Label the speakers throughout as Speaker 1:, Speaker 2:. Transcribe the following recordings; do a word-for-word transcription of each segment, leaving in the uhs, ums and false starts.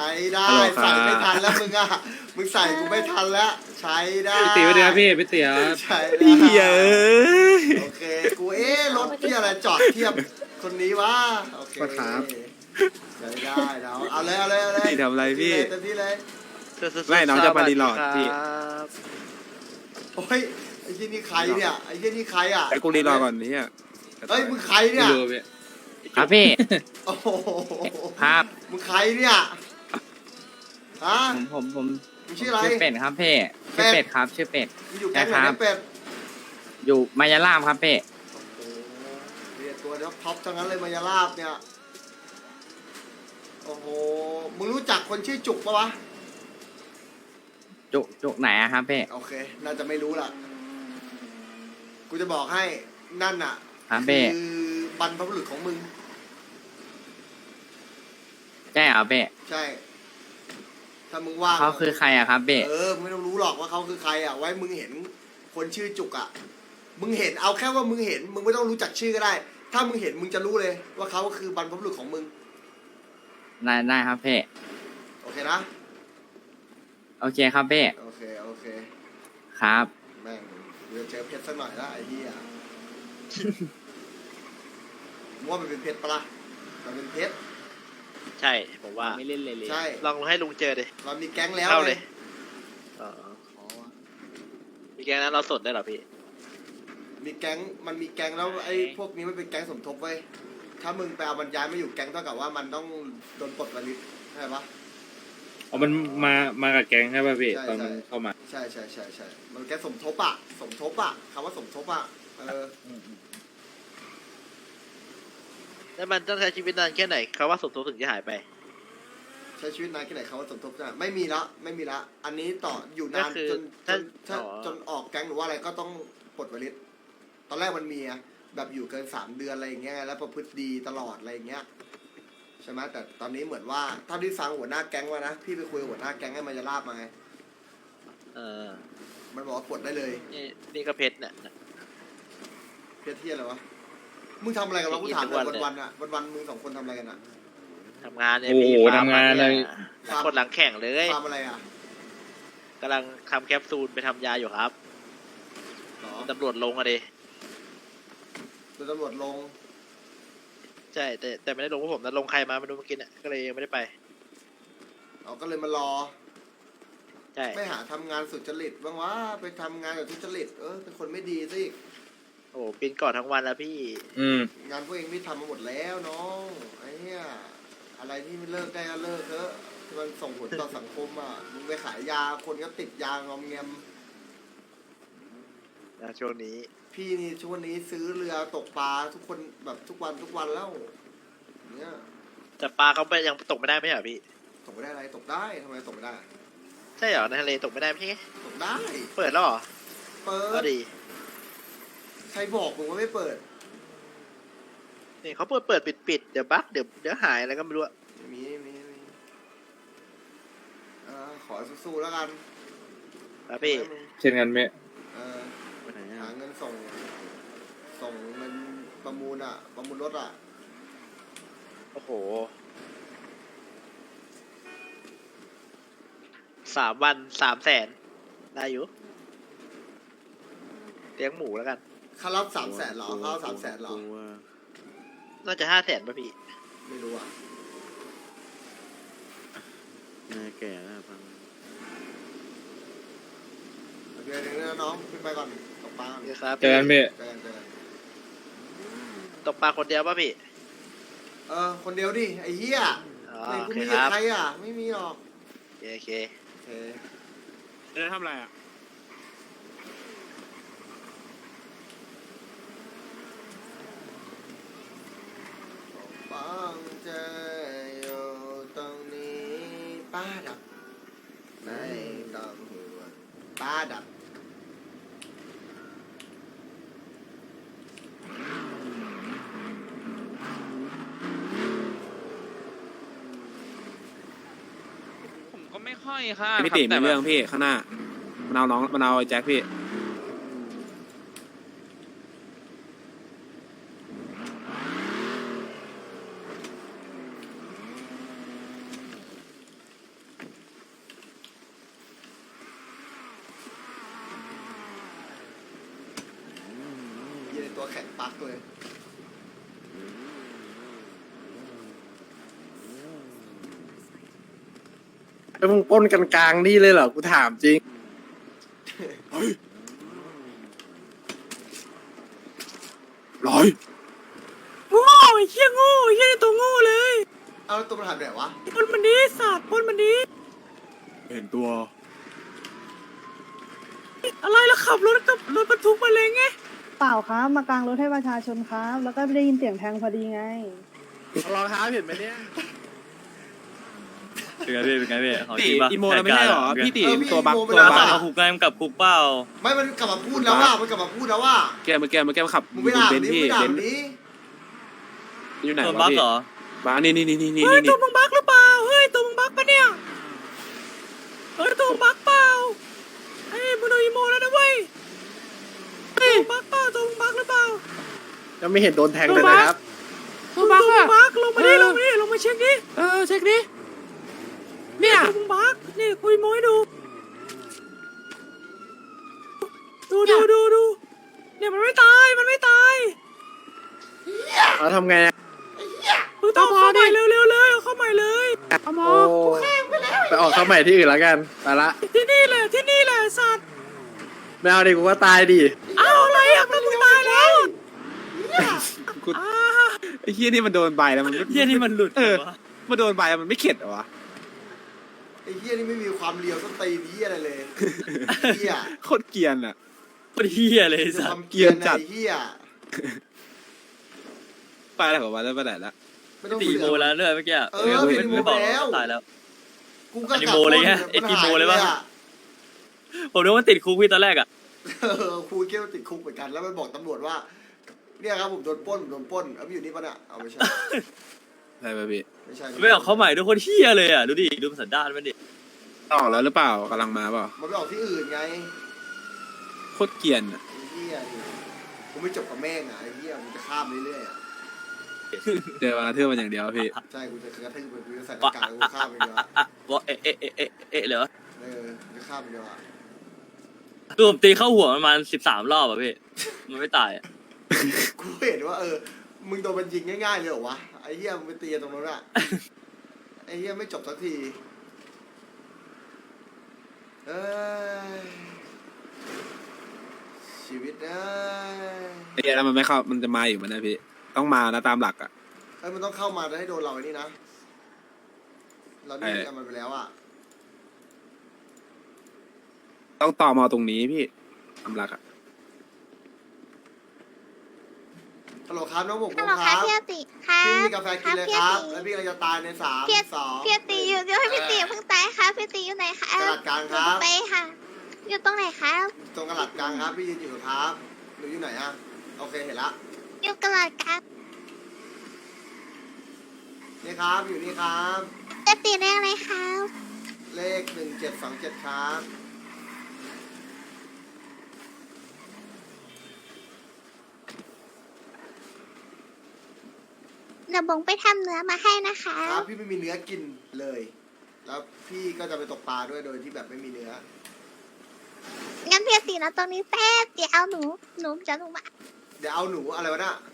Speaker 1: ช้ได้ใส่ไม่ทันแล้วมึงอ่ะมึงใส่กูไม่ทันแล้วใช้ได้
Speaker 2: พี่เตี๋ยวเดี๋ยวพี่พี่เตี๋ยว
Speaker 1: ใช้ได้
Speaker 3: พี่เอ้ย
Speaker 1: โอเคกูเอ๊ะรถที่อะไรจอดเทียบคนนี้วะโอเคใช้ได้แล้วเอาเลยเอาเลยเอาเลย
Speaker 3: พี่ทำอะไรพี่
Speaker 1: เต็มที่เลย
Speaker 3: ไม่น้องจะมารีโหลดพี่
Speaker 1: โอ้ยไอ้ที่นี่ใครเนี่ยไอ้ที่นี่ใครอ่ะ
Speaker 3: แต่กูรีรอก่อนนี่อ่ะ
Speaker 1: เฮ้ยมึงใคร
Speaker 2: ไม่
Speaker 1: เนี่ย
Speaker 2: รู้พี่
Speaker 4: ครับพี่
Speaker 1: โอ้โห
Speaker 4: ครับ
Speaker 1: มึงใครเนี่ยฮะ
Speaker 4: ผมผมผม
Speaker 1: มึงชื่ออะไร
Speaker 4: ชื่อเป็ดครับพี่ชื่อเป็ดครับชื่อเป็ด
Speaker 1: มึงอยู่แก๊งไหนเนี่ยเป็ด
Speaker 4: อยู่มายาลามครับพี่
Speaker 1: โอ้โหเรียกตัวเดี๋ยวท็อปทั้งนั้นเลยมายาลาบเนี่ยโอ้โหมึงรู้จักคนชื่อจุกปะวะ
Speaker 4: จุจุไหนอะครับพี่
Speaker 1: โอเคน่าจะไม่รู้ล่ะกูจะบอกให้นั่นน่ะ
Speaker 4: ครับพี่
Speaker 1: คือบรรพบุรุษของมึง
Speaker 4: ใช่เหรอพี่
Speaker 1: ใช่ ถ้ามึงว่าง
Speaker 4: เขาคือใครอะครับพี่
Speaker 1: เออมึงไม่ต้องรู้หรอกว่าเขาคือใครอ่ะ ไว้มึงเห็นคนชื่อจุกอ่ะ มึงเห็นเอาแค่ว่ามึงเห็น มึงไม่ต้องรู้จักชื่อก็ได้ ถ้ามึงเห็นมึงจะรู้เลย ว่าเขาคือบรรพบุรุษของมึง
Speaker 4: ได้ได้ครับพี่
Speaker 1: โอเคนะ
Speaker 4: โอเคครับพี่
Speaker 1: โอเคโอเค
Speaker 4: ครับ
Speaker 1: แม่งเดี๋ยวเจอเพชรสักหน่อยละไอ้เหี้ยมึงว่ามันเป็นเพชรปะล่ะมันเป็นเพชร
Speaker 5: ใช่ผมว่า
Speaker 4: ไม่เล่นเลยเลย
Speaker 1: ใช่
Speaker 5: ลองให้ลุงเจอดิ
Speaker 1: เรามีแก๊งแล้ว
Speaker 5: เข้าเลย
Speaker 1: ไง
Speaker 5: อ๋อมีแกงนั้นเราสดได้เหรอพี่
Speaker 1: มีแก๊งมันมีแก๊งแล้วไอ้พวกนี้มันเป็นแก๊งสมทบเว้ยถ้ามึงไปเอาบรรยายไม่อยู่แก๊งเท่ากับว่ามันต้องโดนปลดวันนี้ใช่ปะ
Speaker 2: อ๋อมันมามากับแก๊งใช่ป่ะพี่
Speaker 1: ใช่
Speaker 2: ตอน
Speaker 1: ใช่
Speaker 2: มันเข้ามา
Speaker 1: ใช่ใช่ใช่ใช่มันแก๊งสมทบอะสมทบอะคำว่าสมทบอะเออ
Speaker 5: แล้วมันต้องใช้ชีวิตนานแค่ไหนเขาว่าสมทบถึงจะหายไป
Speaker 1: ใช้ชีวิตนานแค่ไหนคำว่าสมทบจะไม่มีละไม่มีละอันนี้ต่ออยู่นาน
Speaker 5: ก็คือ
Speaker 1: จนจ
Speaker 5: ถ้าน
Speaker 1: ถ้า
Speaker 5: อ๋อ
Speaker 1: จนออกแก๊งหรือว่าอะไรก็ต้องปลดวันนี้ตอนแรกมันมีอะแบบอยู่เกินสามเดือนอะไรอย่างเงี้ยแล้วประพฤติดีตลอดอะไรอย่างเงี้ยใช่ไหมแต่ตอนนี้เหมือนว่าเท่าที่ฟังหัวหน้าแก๊งว่านะพี่ไปคุยกับหัวหน้าแก๊งให้มันจะลาบมาไง
Speaker 5: เออ
Speaker 1: มันบอกว่าปลดได้เลย
Speaker 5: นี่นี่ก็เพชรเนี่ย
Speaker 1: เพี้ยเที่ยอะไรวะมึงทำอะไรกันวะกูถามเลย
Speaker 5: ทุกวันเลย
Speaker 1: วันๆอะวันๆมึงสองคนทำอะไรกันอะ
Speaker 5: ทำงานเนี่ย
Speaker 2: โอ้โห
Speaker 5: พี่ฟร์ม
Speaker 2: ทำงานเลย
Speaker 5: นี่คนหลังแข่งเลย
Speaker 1: ฟาร์มอะไรอะ
Speaker 5: กำลังทำแคปซูลไปทำยาอยู่ครับ
Speaker 1: หรอ
Speaker 5: ตำรวจลงอะดิ
Speaker 1: โดนตำรวจลง
Speaker 5: ใช่แต่แต่ไม่ได้ลงพวกผมนะลงใครมาไม่รู้เมื่อกี้เนี่ยก็เลยยังไม่ได้ไป
Speaker 1: เอาก็เลยมารอ
Speaker 5: ใช่
Speaker 1: ไม่หาทำงานสุจริตบ้างวะไปทำงานแบบทุจริตเออเป็นคนไม่ดีสิ
Speaker 5: โอ้โหปีนก่อนทั้งวันแล้วพี่
Speaker 2: อืม
Speaker 1: งานพวกเองไม่ทำมาหมดแล้วน้องไอ้เนี้ยอะไรที่ไม่เลิกได้ก็เลิกเถอะที่มันส่งผลต่อสังคมอ่ะมึงไปขายยาคนก็ติดยางอมแงม
Speaker 5: นะช่วงนี้
Speaker 1: พี่นี่ช่วงนี้ซื้อเรือตกปลาทุกคนแบบทุกวันทุกวันแล้วเนี่ย
Speaker 5: แต่ปลาเขาไปยังตกไม่ได้ไม่ใช่เหรอพี่
Speaker 1: ตกไม่ได้อะไรตกได้ทำไมตกไม่ได้
Speaker 5: ใช่เหรอในทะเลตกไม่ได้ไม่ใช่ไง
Speaker 1: ตกได้
Speaker 5: เปิดแล้วเหรอ
Speaker 1: เปิ
Speaker 5: ก็
Speaker 1: ด
Speaker 5: ดี
Speaker 1: ใครบอกมึงว่าไม่เปิด
Speaker 5: นี่เขาเปิดเปิดปิดปิดเดี๋ยวบั๊กเดี๋ยวเดี๋ยวหายอะไรก็ไม่รู้อะ
Speaker 1: มีมีมีเออขอสู้ๆแล้วกัน
Speaker 5: ครับพี่
Speaker 1: ให้มึง
Speaker 2: เช่นกันไหม
Speaker 1: เออหาเงินส่ง ส่งเงินประมูลอ่ะ ประมูลรถอ่ะ
Speaker 5: โอ้โหสามวันสามแสนได้อยู่เลี้ยงหมูแล้วกัน
Speaker 1: ค่ารับสามแสนหรอค่ารับสามแสนหรอ
Speaker 5: น่าจะห้าแสนป่ะพี่
Speaker 1: ไม่รู้อ่ะ
Speaker 3: น่าแก่แล้วพัง
Speaker 1: โอเคเดี๋ยวนะน้องขึ้นไปก่อนตกปลา
Speaker 5: เดี๋ยวครับ
Speaker 2: เจอกันพี่
Speaker 1: เจอกันเจอกัน
Speaker 5: ตกปลาคนเดียวป่ะพี่
Speaker 1: เออ คนเดียวดิ ไอ้เหี้ย
Speaker 5: อ๋อ
Speaker 1: ใน
Speaker 5: โอ
Speaker 1: กู
Speaker 5: เค
Speaker 1: มี
Speaker 5: ค
Speaker 1: กับ
Speaker 5: รับ
Speaker 1: ใครอ่ะ ไม่มีหรอก
Speaker 5: โอเคโอเค
Speaker 1: โอเค
Speaker 3: เออทำอะไรอ่ะ
Speaker 1: ฟังใจอยู่ตรงนี้ป้าดับไม่ต้องห่วงป้าดับ
Speaker 6: ผมก็ไม่ค่อยค่ะ
Speaker 3: พี่ติมีเรื่องพี่ข้างหน้ามันเอาน้องมันเอาไอ้แจ็คพี่
Speaker 1: ตัวแข็งปักเลย
Speaker 3: แล้วมึงปล้นกันกลางนี่เลยเหรอกูถามจริงร้อยโง่ไอ้เหี้ยโง่ไอ้เหี้ยตัวโง่เลย
Speaker 1: เอาแล้วตัวมันหายไปไหนวะ
Speaker 3: ปล้นมันดีสัตว์ปล้นมันดีเห็นตัวอะไรแล้วขับรถกับรถบรรทุกมาเลยไง
Speaker 7: เปล่าครับมากางรถให้ประชาชนครับ แล้วก็ได้ยินเสียงแทงพอดีไง
Speaker 3: รองเท้าเห็นไหมเนี่ย
Speaker 8: เป็นไงพี่เป็นไงพี่ของ
Speaker 3: ตี
Speaker 8: จริงปะ
Speaker 3: อีโมแล้วไม่ใช่หรอพี่ตี
Speaker 1: เออพี่
Speaker 3: ตัวบัก
Speaker 1: อีโมไป
Speaker 3: ตัว
Speaker 1: แล้ว
Speaker 3: บั
Speaker 8: บ้าก น
Speaker 3: อะ
Speaker 8: เขาคุกได้มันกลับคุกเปล่า
Speaker 1: ไม่มันกลับมาพูดแล้วว่ามันกลับมาพูดแล้วว่า
Speaker 3: แกมาแกมาแกมาขับ
Speaker 1: มึงไปด่า
Speaker 3: เบ
Speaker 1: มัน
Speaker 3: น
Speaker 1: นี้
Speaker 3: พี่
Speaker 1: มึงด่า
Speaker 3: เบน
Speaker 1: มันนี้
Speaker 3: อยู่ไหน
Speaker 8: ตัว
Speaker 3: วะ
Speaker 8: บัก
Speaker 3: พี่
Speaker 8: เหรอ
Speaker 3: บ้านี่นี่นี่นี่นี่
Speaker 7: เฮ้ย
Speaker 3: นี่
Speaker 7: ตัวมึงบักหรือเปล่า เฮ้ยตัวมึงบักปะเนี่ย เฮ้ยตัวมึงบักเปล่าเฮ้ยมึงโดนอีโมแล้วนะเว้ยตัวมึงบักเปล่าตัวมึงบักหรือเปล่า
Speaker 3: ยังไม่เห็นโดนแทงเลยนะครับ
Speaker 7: ตัวบักอะบักลงมาดิลงมาดิลงมาเช็คดิ
Speaker 3: เออเช็คดิเนี่ย
Speaker 7: ตัวมึงบักนี่คุยโมให้ดู ดูดูดูดูเนี่ยมันไม่ตายมันไม่ตาย
Speaker 3: เอาทำไงอะ
Speaker 7: มึงต้องเข้าใหม่เร็วเร็วเลยเข้าใหม่เลย
Speaker 3: เอาหมอไปออกเข้าใหม่ที่อื่นแล้วกันไปละ
Speaker 7: ที่นี่แหละที่นี่แหละสัตว์
Speaker 3: ไม่เอาดิกูว่าตายดิ
Speaker 7: เอาอะไรอ่ะก็มึงตายแล้ว
Speaker 3: กู
Speaker 7: อ่า
Speaker 3: ไอ้เฮียนี่มันโดนใบแล้วมัน
Speaker 8: เฮียนี่มันหลุด
Speaker 3: เออ
Speaker 8: วะ
Speaker 3: มันโดนใบแล้วมันไม่เข็ดเหรอวะ
Speaker 1: ไอ้เฮียนี่ไม่มีความเลียวส้นตีนเฮียอะไรเลยเฮีย
Speaker 3: โคตรเกรียนอะ
Speaker 8: โคตรเฮียเลยไอ้
Speaker 1: ค
Speaker 8: สัส
Speaker 1: วามเกลียนจัดเฮีย
Speaker 3: ไปแล้วเหรอวะแล้วไปไหนละ
Speaker 1: ไม่ต้อง
Speaker 8: ตี
Speaker 1: เสื
Speaker 8: โม
Speaker 1: อก
Speaker 8: แล้วเรื่อยเมื่อกี้
Speaker 1: เออ
Speaker 8: ไม่
Speaker 1: เป็น
Speaker 8: ไม่บอก
Speaker 1: โมแล้ว
Speaker 8: ตายแล้ว
Speaker 1: กูก็
Speaker 8: อันนี้โมเลยไงไอ้ที่โมเลยปะ ผมนึกว่าติดคุกพี่ตอนแรกอ่ะ
Speaker 1: เออครูเกี้ยวติดคุกเหมือนกันแล้วไปบอกตำรวจว่าเนี่ยครับผมโดนปล้นผมโดนปล้นเอาไปอยู่นี่ปะเนี่ยเอาไม่ใช่
Speaker 3: ใช่ไหมพี่
Speaker 1: ไม่ใช่
Speaker 8: ไม่ออกเข้าใหม่ด้วยคนเฮียเลยอ่ะดูดิดูสันดานมันดิ
Speaker 3: ออกแล้วหรือเปล่ากำลังมาเปล่า
Speaker 1: มันไปออกที่อื่นไง
Speaker 3: โคตรเกรียนอะ
Speaker 1: ไอ้เฮียนี่กูไม่จบกับแม่งอ่ะไอ้เฮียมึงจะข้ามเรื่อยๆอ่ะ
Speaker 3: เจอมาเทื่อมันอย่างเดียวพี่
Speaker 1: ใช่กูจะกระทืบมึงกูจะใส่หน้ากากกูข้ามไปเดียวอะ
Speaker 8: อ่ะวะเอ๊ะเอ๊ะเอ๊ะเอ๊ะเอ๊ะเหรอ
Speaker 1: เออจะข้ามไปเดียวอ่ะ
Speaker 8: ตัวผมตีเข้าหัวประมาณสิบสามรอบอ่ะพี่มันไม่ตายอ่ะ
Speaker 1: กูเห็นว่าเออมึงโดนมันยิงง่ายๆเลยเหรอวะไอ้เฮียมึงไปตีกันตรงนั้นอ่ะไอ้เฮียไม่จบสักทีเอ้ยชีวิตเอ้ย
Speaker 3: ไอ้เหี้ยแล้วมันไม่เข้ามันจะมาอยู่มันนะพี่ต้องมานะตามหลักอะ
Speaker 1: เอ้ยมันต้องเข้ามาแล้วให้โดนเราไอ้นี่นะเรานี่เอามันไปแล้วอ่ะ
Speaker 3: ต้องต่อมาตรงนี้พี่ตามหลักอะ
Speaker 1: ฮัลโหลครับน้องผม
Speaker 9: ฮัลโหล
Speaker 1: ค
Speaker 9: ค่ะ
Speaker 1: รับ
Speaker 9: พี่อติค่ะ
Speaker 1: พี่มีกาแฟกินเลยครับ
Speaker 9: พี่
Speaker 1: แล้ว
Speaker 9: อติ
Speaker 1: พี่กำลังจะตายในสาม
Speaker 9: พี่
Speaker 1: สอง
Speaker 9: พี่อติอยู่เดี๋ยวให้พี่ติเพิ่งตายค่ะพี่อติอยู่ไหนคะ
Speaker 1: กระดาษกลางครับ
Speaker 9: ไปค่ะ อยู่ตรงไหนคะ
Speaker 1: ตรงกระหลัดกลางครับพี่ยืนอยู่ครับหนูอยู่ไหนอ่ะโอเคเห็นละ
Speaker 9: อยู่กระดาษกลาง
Speaker 1: นี่ครับอยู่นี่ครับ
Speaker 9: พี่อติเรียกอะไรคะ
Speaker 1: เลขหนึ่งเจ็ดสองเจ็ดครับ
Speaker 9: เดี๋ยวบงไปทำเนื้อมาให้นะคะ
Speaker 1: ครับพี่ไม่มีเนื้อกินเลย แล้วพี่ก็จะไปตกปลาด้วยโดยที่แบบไม่มีเนื้อ
Speaker 9: งั้นพี่อตินะตรงนี้แป๊บเดี๋ยวเอาหนูหนูจะหนูมา
Speaker 1: เดี๋ยวเอาหนูอะไรวะน่ะ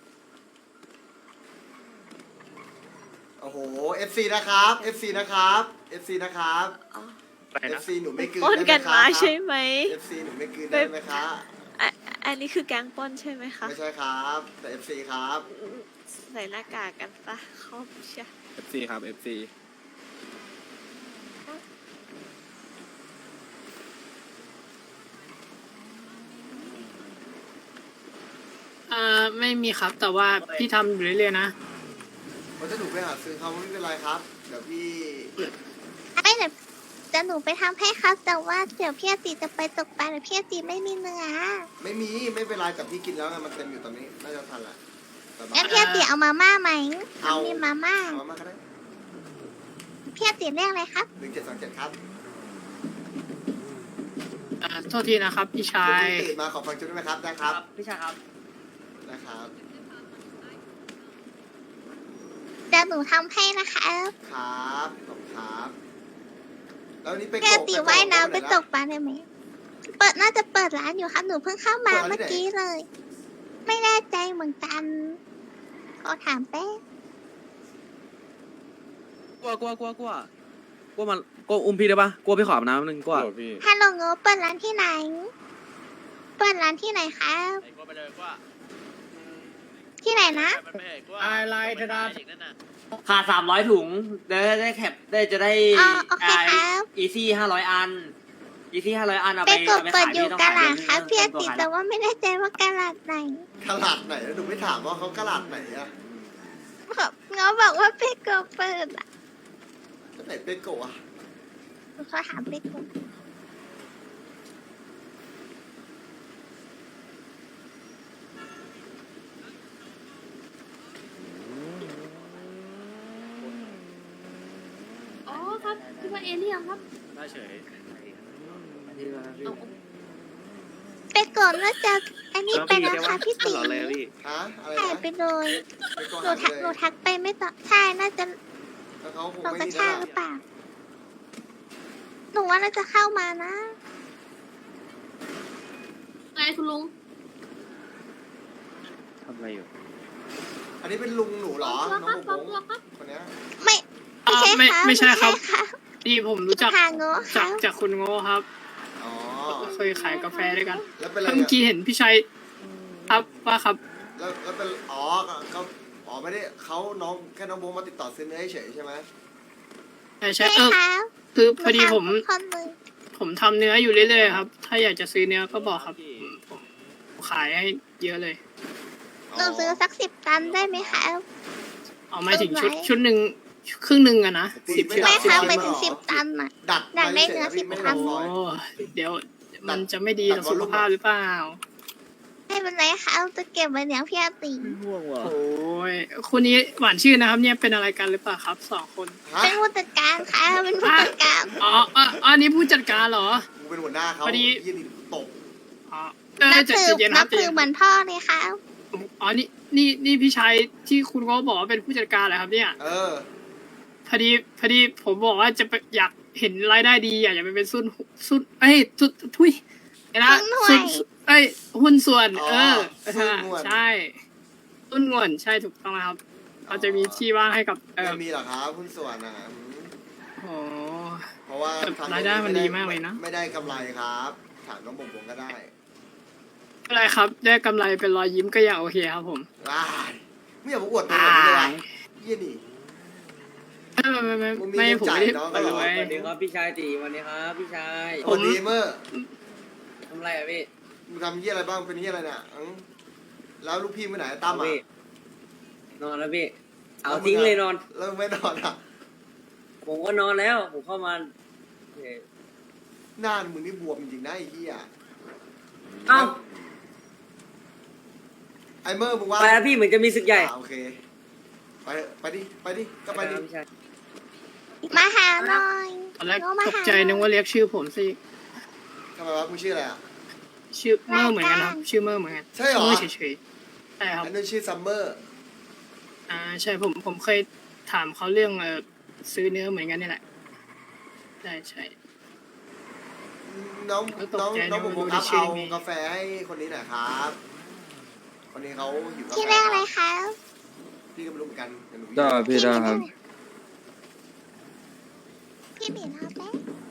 Speaker 1: โอ้โห เอฟ ซี นะครับ เอฟ ซี นะครับ เอฟ ซี นะครับ
Speaker 6: ไป
Speaker 1: เอ
Speaker 6: นะ
Speaker 1: ฟ ซี หนูไม่กลืน
Speaker 10: ปล้น
Speaker 1: ได้ไหม
Speaker 10: กัน
Speaker 1: ครั
Speaker 10: มา
Speaker 1: บ
Speaker 10: ใช่ไหม
Speaker 1: เอฟ ซี หนูไม่กลืนได้ไหมคะ
Speaker 10: อ่ะอันนี้คือแก๊งปล้นใช่ไหมคะ
Speaker 1: ไม่ใช่ครับ แต่ เอฟ ซี ครับ
Speaker 10: ใส่หน้ากากกันปะเขาเชีย
Speaker 3: เอฟซีครับเอฟซี
Speaker 7: อ่าไม่มีครับ แต่ว่าพี่ทำอยู่เรื่อยๆนะ
Speaker 1: มันจะหนูไปหาซื้อเขาไม่เป็นไรครับ เดี๋ยวพี่
Speaker 9: ไม่เดี๋ยวจะหนูไปทำให้ครับ แต่ว่าเดี๋ยวพี่อติจะไปตกปลาเดี๋ยวพี่อติไม่มีเนื้อ
Speaker 1: ไม่มี ไม่เป็นไรแต่พี่กินแล้วไงมันเต็มอยู่ตอนนี้ น่าจะทันแหละแต่บ้า
Speaker 9: งั้นพี่อติเอามาม่าไหม
Speaker 1: เอา
Speaker 9: มีมาม่า
Speaker 1: เอามาก็ได้
Speaker 9: พี่อติเรียกอะไรครับ
Speaker 1: หนึ่งเจ็ดสองเจ็ดครับ
Speaker 7: อ่าโทษทีนะครับพี่ชาย
Speaker 1: เดี๋วพี่ตื่นมาขอฟังชุดได้ไหมครับ ได้ครับ
Speaker 8: พี่ชายครับ
Speaker 1: นะครับ
Speaker 9: เดี๋ยวหนูทำให้นะคะ
Speaker 1: ครับขอบคุณครับ แล้ววันนี้ไป
Speaker 9: พี่อติ
Speaker 1: ไป
Speaker 9: ว่ายน้ำไป
Speaker 1: ห
Speaker 9: ตกปลาได้ไหมเปิดน่าจะเปิดร้านอยู่ครับหนูเพิ่งเข้ามา
Speaker 1: เปิดร้านที่ไหน
Speaker 9: เมื่อกี้เลย
Speaker 1: เ
Speaker 9: ไม่แน่ใจเหมือนกันขอถามแป๊บ
Speaker 3: กลัวกลัวกลัวกลัวกลัวมันกลัวอุ้มพี่ได้ปะกลัวพี่ขออาบน้ำนึงกลัว
Speaker 2: โอ้พี่
Speaker 9: ฮัลโหลโงเปิดร้านที่ไหน เปิดร้านที่ไหนครับ
Speaker 5: ไอ้ก็ไปเลยว่า
Speaker 9: ที่ไหนนะ
Speaker 5: มันไม่เห็นว่า
Speaker 7: อะไรธนา
Speaker 5: อีกนั่นน่ะ
Speaker 8: ขาดสามร้อยถุงได้ได้แคปได้จะได้
Speaker 9: อ๋อโอเคครับ
Speaker 8: อีซี่ห้าร้อยอันอีซี่ห้าร้อยอันเอา
Speaker 9: ไป
Speaker 8: ไป
Speaker 9: กด
Speaker 8: เอาไป
Speaker 9: เปิด
Speaker 8: ขาย
Speaker 9: อยู่
Speaker 8: ที่ต้อง
Speaker 9: กะ
Speaker 8: ขาย
Speaker 9: ลา
Speaker 8: เดือน
Speaker 9: ครับ
Speaker 8: นึง
Speaker 9: เพีย
Speaker 8: ตัว
Speaker 9: ติด
Speaker 8: ขาย
Speaker 9: แต่ว่าไม่แน่ใจว่ากะลาไหน
Speaker 1: กระลาดไหนแล้วหนูไม่ถามว่าเขากระลาดไหนอะ
Speaker 9: บอกเงาบอกว่าไปกดเปิดอ่ะ
Speaker 1: ที่ไหนเปโกะอะ
Speaker 9: เขาถามไปกด
Speaker 10: อ๋อครับคิดว่าเอเลี่ยนครับ
Speaker 3: ได้เฉย
Speaker 9: ไปกดแล้วจะอันนี้ไปนะคะพี่ตี
Speaker 3: หล่อเลยพี่
Speaker 1: ฮะอะไร
Speaker 9: หาย
Speaker 1: นะ
Speaker 9: ไปเลย
Speaker 1: เปโกะ
Speaker 9: หนู
Speaker 1: หาย
Speaker 9: ทัก
Speaker 1: ไป
Speaker 9: หนู
Speaker 1: เลย
Speaker 9: ทักไปไม่ตอบใช่น่าจะ
Speaker 1: แล้วเขาคง
Speaker 9: เรา
Speaker 1: ไม่
Speaker 9: กระ
Speaker 1: นี่
Speaker 9: ชาก
Speaker 1: นะ
Speaker 9: หรือเปล่าหนูว่าน่าจะเข้ามานะ
Speaker 10: ไงคุณลุง
Speaker 4: ทำอะไรอยู่
Speaker 1: อันนี้เป็นลุงหนูเหรอ
Speaker 10: ตัว
Speaker 1: น้
Speaker 10: ค
Speaker 1: อ
Speaker 10: รั
Speaker 1: ง
Speaker 10: บ
Speaker 1: ผม
Speaker 10: ตัวครับ
Speaker 1: คนเนี้ย
Speaker 9: ไม่ไม่ใช่
Speaker 7: ไม่
Speaker 9: ครับ
Speaker 7: ไม่ใช่ครับ
Speaker 9: ครับ
Speaker 7: นี่ผมรู้จัก
Speaker 9: หาโง่ค
Speaker 7: จา
Speaker 9: รั
Speaker 7: ก
Speaker 9: บ
Speaker 7: จากคุณโง่ครับ
Speaker 1: อ๋อ
Speaker 7: เคยขายกาแฟด้วยกัน
Speaker 1: แล้วเป็นอะไร
Speaker 7: เมื่อ
Speaker 1: อะ
Speaker 7: กี้เห็นพี่ชัยครับว่าครับ
Speaker 1: แล้วแล้วเป็นอ๋อเขาอ๋อไม่ได้เขาน้องแค่น้องโบมาติดต่อซื้อเนื้อเฉยๆใช่ไหม
Speaker 7: ใช่ใช่
Speaker 9: ใช่
Speaker 7: เออ
Speaker 9: ครับ
Speaker 7: คือพอดีผม
Speaker 9: หนูทำทุกคนเลย
Speaker 7: ผมทำเนื้ออยู่เรื่อยๆครับ ถ้าอยากจะซื้อเนื้อก็บอกครับผมผมขายให้เยอะเลย
Speaker 9: หนูซื้อสักสิบตันได้ไหมครับ
Speaker 7: เอามาถึงชุด
Speaker 9: เอาไว้
Speaker 7: ชุดหนึ่งครึ่งหนึ่งอะนะสิบ
Speaker 1: ไม่
Speaker 7: ชุด
Speaker 1: ได้
Speaker 9: ไม่ครับ
Speaker 1: สิบ
Speaker 9: ไปถึงสิบตันอ่ะ
Speaker 1: ดัด
Speaker 9: อยากได้เนื้อ
Speaker 1: ฉยๆ
Speaker 9: สิบ
Speaker 1: ไม่
Speaker 9: ตั
Speaker 1: ได้
Speaker 9: น
Speaker 7: โอ้
Speaker 1: ซอย
Speaker 7: เดี๋ยวมันจะไม่ดีต่อสุขภาพหรือเปล่า
Speaker 9: ไม่เป็นไรครับจะเก็บไว้เลี้ยงพี่อาติ
Speaker 7: โอ้ยคนนี้หวานชื่อนะครับ เนี่ยเป็นอะไรกันหรือเปล่าครับสองคน
Speaker 1: ฮะ
Speaker 9: เป็นผู้จัดการค่ะเป็นผู้จัดการ
Speaker 7: อ๋ออ๋ออันนี้ผู้จัดการเหรอ
Speaker 1: กูเป็นหัวหน้าเขา
Speaker 7: พอดี
Speaker 1: ยี่นี่ตก
Speaker 7: อ๋อเออ
Speaker 9: นับ
Speaker 7: ใจะ
Speaker 9: ถือ
Speaker 7: เย็นค
Speaker 9: นั
Speaker 7: รั
Speaker 9: บบ
Speaker 7: ใจ
Speaker 9: ถื
Speaker 7: เย็
Speaker 9: อน เหมือนพ่อเลยค่ะ
Speaker 7: อ๋อนี่นี่นี่พี่ชายที่คุณก็บอกว่าเป็นผู้จัดการเหรอครับเนี่ย
Speaker 1: เออ
Speaker 7: พอดีพอดีผมบอกว่าจะไปอยากเห็นรายได้ดีอยากจะไปเป็นซุนซุนเอ้ยซุนทุยไอ้นะ
Speaker 9: หุ้นหน่วย
Speaker 7: ซุนเอ้ยหุ้นส่วน
Speaker 1: อ๋อ
Speaker 7: เออ
Speaker 1: หุ้นส่วน
Speaker 7: ใช่หุ้นส่วนใช่ถูกต้องนะครับเขาจะมีที่ว่างให้กับเออ
Speaker 1: ไม่มีหรอกครับหุ้นส่วนนะอืม
Speaker 7: โอ้
Speaker 1: เพราะว่า
Speaker 7: แต่
Speaker 1: ทำ
Speaker 7: รายได้มันดีมากเลยนะ
Speaker 1: ไม่ได้กำไรครับ ถามน้องบงบงก็ได้
Speaker 7: อะไรครับได้กำไรเป็นรอยยิ้มก็ยังโอเคครับผม
Speaker 1: ว้ายไม่อยากมาอวดตัวแบบนี้เลยว่ะเยี่ยนี่
Speaker 7: ไม่ไม่ไม่
Speaker 1: มึงมี
Speaker 7: ไม่
Speaker 1: เงิน
Speaker 7: ผม
Speaker 1: จ่าย
Speaker 7: ไม่ได้
Speaker 1: น้อง
Speaker 7: ไป
Speaker 1: ก็เหรอ
Speaker 7: รวย
Speaker 8: สวัสดีครับพี่ชายตีวันนี้ครับพี่ชาย
Speaker 1: สวัสดีเมื่อ
Speaker 8: ทำอะไรอะพี่
Speaker 1: มึงทำเยี่ยอะไรบ้างเป็นเยี่ยอะไรเนี่ยอืมแล้วลูกพี่ไปไหนตั้มอ่ะ
Speaker 8: พี่นอนแล้วพี่เอาทิ้งเลยนอน
Speaker 1: แล้วไม่นอนอ่ะ
Speaker 8: ผมก็นอนแล้วผมเข้ามาเอ่อ
Speaker 1: หน้ามึงนี่บวมจริงๆนะไอ้เหี้ย
Speaker 8: เอ้า
Speaker 1: ไอ้เมื่อมึงว่า
Speaker 8: ไปแล้วพี่เหมือนจะมีศึกใหญ่
Speaker 1: อ่าโอเคไปไปดิไปดิก็ไปดิ
Speaker 8: พี่ชาย
Speaker 9: มาหาหน่อย
Speaker 7: ตอนแรก
Speaker 9: โง่มา
Speaker 7: ตก
Speaker 9: หา
Speaker 7: ใจนึกว่าเรียกชื่อผมสิ
Speaker 1: ทำไมวะมึงชื่ออะไรอ่ะ
Speaker 7: ชื่อเมอร์เหมือนกันครับชื่อเมอร์เหมือนกัน
Speaker 1: ใช่เหรอ
Speaker 7: เมอร์เฉยๆใช่ครับ
Speaker 1: อันนั้นชื่อซัมเมอร์
Speaker 7: อ่าใช่ผมผมเคยถามเขาเรื่องเออซื้อเนื้อเหมือนกันนี่แหละใช่ใช่
Speaker 1: น้อง
Speaker 7: แล้วตก
Speaker 1: น้อง
Speaker 7: ใจ
Speaker 1: น้อง
Speaker 7: นะ
Speaker 1: ผม
Speaker 7: ว่า
Speaker 1: ครับ
Speaker 7: ชื่อ
Speaker 1: เอา
Speaker 7: นี้
Speaker 1: กาแฟให้คนนี้หน่อยครับ คนนี้เขาหิวกาแฟ
Speaker 9: ที่เรียกอะไรคะ
Speaker 1: พี่ก็ไม่รู้เหมือนกันเดี๋ยวหนู
Speaker 4: ได้พี่ได้ครับ
Speaker 9: พี่หมีทำได้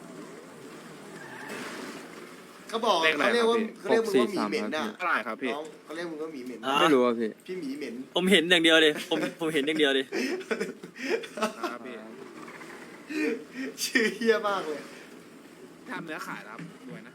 Speaker 1: เขาบอก
Speaker 3: เลขอะไร
Speaker 1: เขาเรียกว่า
Speaker 3: ครับพี่
Speaker 1: เขาเรียกมึงว่าหมีเหม็นน่ะ
Speaker 3: เท่าไหร่ครับพี่
Speaker 1: น้องเขาเรียกมึงว่าหมีเหม็น
Speaker 8: อ่ะ
Speaker 4: ไม่รู้อ่ะพี่
Speaker 1: พี่หมีเหม็น
Speaker 8: ผมเห็นอย่างเดียวเลยผมผมเห็นอย่างเดียวเลย
Speaker 3: ครับพี่
Speaker 1: ชื่อเฮี้ยมากเลย
Speaker 3: ทำเนื้อขายครับรวยนะ